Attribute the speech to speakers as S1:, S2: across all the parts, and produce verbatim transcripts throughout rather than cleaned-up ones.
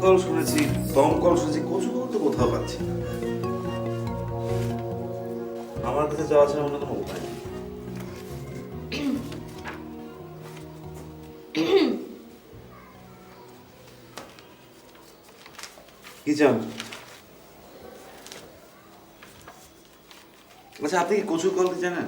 S1: Call শুনেছি, দমকল শুনেছি, কচু কল তো কোথাও পাচ্ছি না। আমার কাছে যাওয়া ছাড়া অন্য কোনো উপায় নেই। কি চান? আচ্ছা, আপনি কি কচু কল জানেন?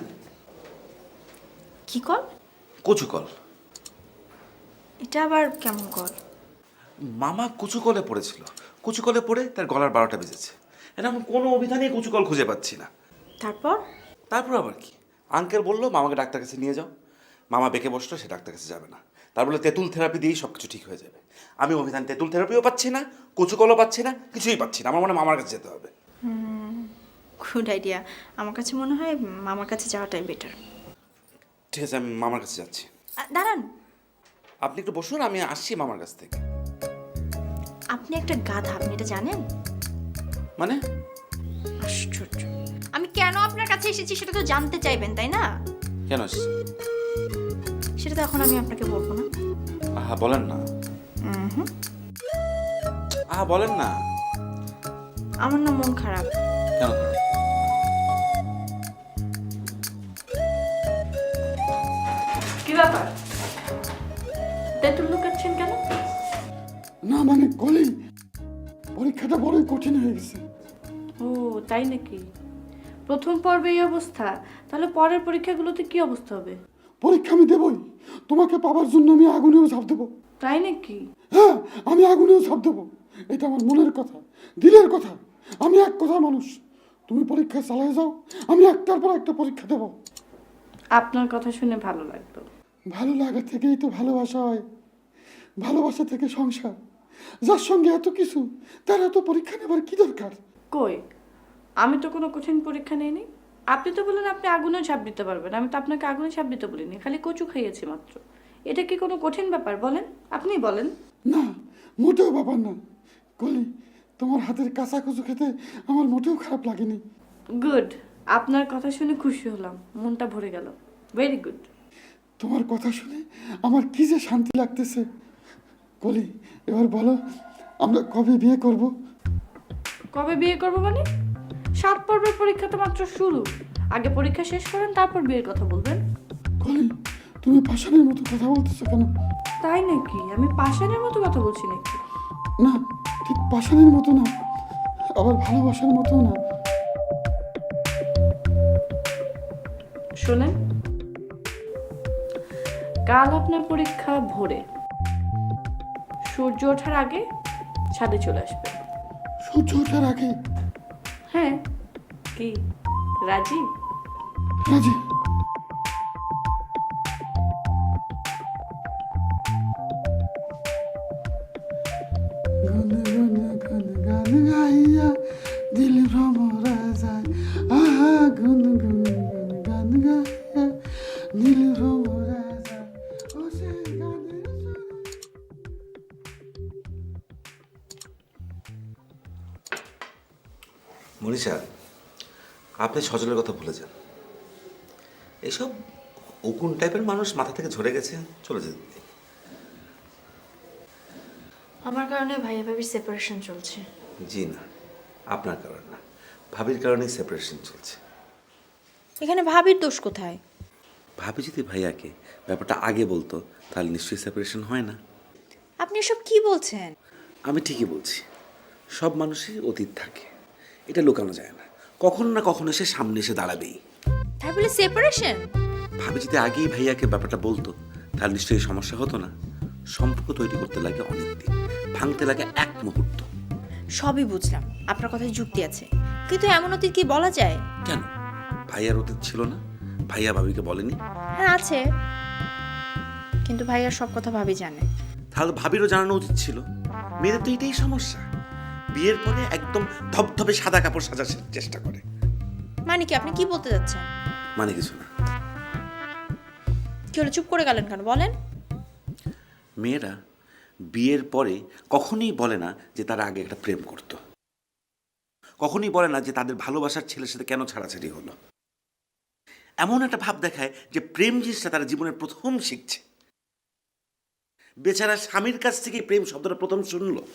S2: কি কল?
S1: কচু কল।
S2: এটা আবার কেমন কল?
S1: মামা কচু কলে পড়েছিল, কচু কলে পড়ে তার গলার বারোটা বেজেছে। এখন কোনো অভিধানে কচু কল খুঁজে পাচ্ছি না।
S2: তারপর?
S1: তারপর আবার কি, আঙ্কেল বললো মামাকে ডাক্তার কাছে নিয়ে যাও। মামা বেঁকে বসলো, সে ডাক্তার কাছে যাবে না। তার বলে তেঁতুল থেরাপি দিয়েই সব কিছু ঠিক হয়ে যাবে। আমি অভিধান তেঁতুল থেরাপিও পাচ্ছি না, কচু কলও পাচ্ছি না, কিছুই পাচ্ছি না। আমার মনে হয় মামার কাছে যেতে হবে।
S2: Good idea. আমার কাছে মনে হয় মামার কাছে যাওয়াটাই বেটার।
S1: ঠিক আছে, আমি মামার কাছে যাচ্ছি।
S2: দাঁড়ান,
S1: আপনি একটু বসুন, আমি আসছি মামার কাছ থেকে।
S2: আপনি একটা গাধা, আপনি এটা জানেন?
S1: মানে?
S2: আশ্চর্য, আমি কেন আপনার কাছে এসেছি সেটা তো জানতে চাইবেন, তাই না?
S1: কেন আসছি?
S2: সেটা তো এখন আমি আপনাকে বলবো না।
S1: আহা বলেন না।
S2: হুম,
S1: আহা বলেন না।
S2: আমার না মন খারাপ।
S1: কেন?
S2: কি ব্যাপার? তেঁতুল লুকাচ্ছেন কেন?
S3: না মানে কলি, পরীক্ষাটা বড়ই কঠিন হয়ে গেছে।
S4: ও তাই নাকি? প্রথম পর্বে এই অবস্থা, তাহলে পরের পরীক্ষাগুলোতে কি অবস্থা হবে?
S3: পরীক্ষা আমি দেবই, তোমাকে পাবার জন্য আমি আগুনেও ঝাঁপ দেবো।
S4: তাই নাকি?
S3: হ্যাঁ, আমি আগুনেও ঝাঁপ দেবো। এটা আমার মনের কথা, দিলের কথা। আমি এক কথা মানুষ। তুমি পরীক্ষা চালিয়ে যাও, আমি একটার পর একটা পরীক্ষা দেবো।
S4: আপনার কথা শুনে ভালো লাগলো।
S3: ভালো লাগা থেকেই তো ভালোবাসা হয়, ভালোবাসা থেকে সংসার। যার সঙ্গে এত কিছু, তার এত পরীক্ষা নেবার কি দরকার?
S4: কই, আমি তো কোনো কঠিন পরীক্ষা নেইনি। আপনি তো বললেন আপনি আগুনে ঝাঁপ দিতে পারবেন, আমি তো আপনাকে আগুনে ঝাঁপ দিতে বলিনি, খালি কচু খাইয়েছি মাত্র। এটা কি কোনো কঠিন ব্যাপার বলেন? আপনি বলেন।
S3: না, মোটেও ব্যাপার না। কলি, তোমার হাতের কাঁচা কচু খেতে আমার মোটেও খারাপ লাগেনি।
S4: গুড, আপনার কথা শুনে খুশি হলাম, মনটা ভরে গেল। Very good.
S3: তোমার কথা শুনে আমার কি যে শান্তি লাগতেছে। কলি, এবার বলো, আমরা কবে বিয়ে করব?
S4: কবে বিয়ে করবো মানে? সাত পর্বের পরীক্ষা তো মাত্র শুরু। আগে পরীক্ষা শেষ করেন, তারপর বিয়ের কথা বলবেন।
S3: কলি, তুমি পাষাণের মতো কথা বলতেছো কেন?
S4: তাই নাকি? আমি পাষাণের মতো কথা বলছি নাকি?
S3: না, ঠিক পাষাণের মতো না, আবার ভালোবাসার মতো না।
S4: শোনেন, কাল আপনার পরীক্ষা ভোরে, সূর্য ওঠার আগে ছাদে চলে আসবে।
S3: সূর্য ওঠার আগে?
S4: হ্যাঁ, কি রাজি?
S3: রাজি। গুন গুন গুন গান গাইয়া দিল ভ্রমরা যায়, আহা গুন গুন গুন গান গাইয়া দিল ভ্রমরা যায়, ও সে গানের সুরে।
S1: মনীষা, আপনি সজলের কথা ভুলে যান। এসব উকুন টাইপের মানুষ মাথা থেকে ঝরে গেছে, চলে যেতে দিন।
S2: আমার কারণে ভাইয়া ভাবির সেপারেশন চলছে।
S1: জি না, আপনার কারণ না, ভাবির কারণেই সেপারেশন চলছে।
S2: এখানে ভাবির দোষ কোথায়?
S1: ভাবি যদি ভাইয়াকে ব্যাপারটা আগে বলতো, তাহলে নিশ্চয়ই সেপারেশন হয় না।
S2: আপনি এসব কি বলছেন?
S1: আমি ঠিকই বলছি, সব মানুষই অতীত থাকে, এটা লুকানো যায় না। কখনো না কখনো সে সামনে এসে দাঁড়াবেই।
S2: তাই বলে সেপারেশন?
S1: ভাবি যদি আগেই ভাইয়াকে ব্যাপারটা বলতো, তাহলে নিশ্চয়ই সমস্যা হতো না। সম্পর্ক তৈরি করতে লাগে অনেক দিন, ভাঙতে লাগে এক মুহূর্ত।
S2: সবই বুঝলাম, আপনার কথায় যুক্তি আছে, কিন্তু এমন অতীত কি বলা যায়?
S1: কেন, ভাইয়ার অতীত ছিল না? ভাইয়া ভাবিকে বলেনি?
S2: হ্যাঁ আছে, কিন্তু ভাইয়ার সব কথা ভাবি জানে।
S1: তাহলে ভাবিরও জানানো উচিত ছিল। মেয়েদের তো এটাই সমস্যা, বিয়ের পরে একদম ধবধবে সাদা কাপড় সাজার চেষ্টা করে।
S2: মানে কি, আপনি কি বলতে যাচ্ছেন?
S1: মানে কিছু না।
S2: কি হলো, চুপ করে গেলেন কেন, বলেন।
S1: মেয়েরা বিয়ের পরে কখনোই বলে না যে তারা আগে একটা প্রেম করত, কখনোই বলে না যে তাদের ভালোবাসার ছেলের সাথে কেন ছাড়াছাড়ি হলো। এমন একটা ভাব দেখায় যে প্রেম জিনিসটা তারা জীবনের প্রথম শিখছে। বেচারা স্বামীর কাছ থেকে প্রেম শব্দটা প্রথম শুনলো।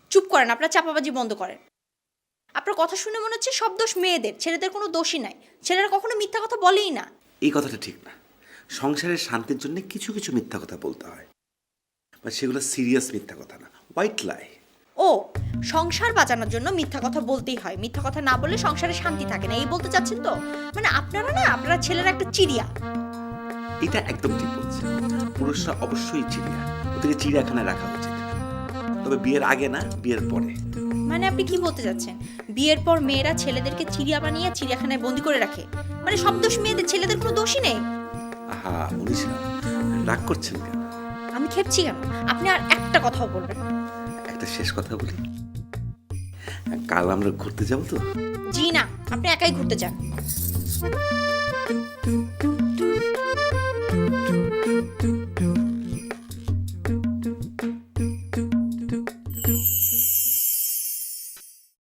S2: চুপ করেন, আপনার চাপাবাজি বন্ধ করেন। আপনার কথা শুনে মনে হচ্ছে সব দোষ মেয়েদের, ছেলেদের কোনো দোষই নাই। ছেলেরা কখনো মিথ্যা কথা বলেই না।
S1: এই কথাটা ঠিক না। সংসারের শান্তির জন্য কিছু কিছু মিথ্যা কথা বলতে হয়, বা সেগুলো সিরিয়াস মিথ্যা কথা না, হোয়াইট লাই।
S2: ও, সংসার বাঁচানোর জন্য মিথ্যা কথা বলতেই হয়, মিথ্যা কথা না বললে সংসারে শান্তি থাকে না, এই বলতে চাচ্ছেন তো? মানে আপনারা না, আপনারা ছেলেরা একটা চিড়িয়া।
S1: এটা একদম ঠিক বলছে। পুরুষরা অবশ্যই চিড়িয়া, ওদেরকে চিড়িয়াখানায় রাখা উচিত, তবে বিয়ের আগে না, বিয়ের পরে।
S2: মানে আপনি কি বলতে চাচ্ছেন, বিয়ের পর মেয়েরা ছেলেদেরকে চিড়িয়া বানিয়ে চিড়িয়াখানায় বন্দি করে রাখে? মানে সব দোষ মেয়েদের, ছেলেদের কোনো দোষই নেই?
S1: আহা মনীষা, রাগ করছেন কেন?
S2: আমি খেপছি কেন? আপনি আর একটা কথাও বলবেন না।
S1: একটা শেষ কথা বলি, কাল আমরা ঘুরতে যাবো তো?
S2: জি না, আপনি একাই ঘুরতে যান।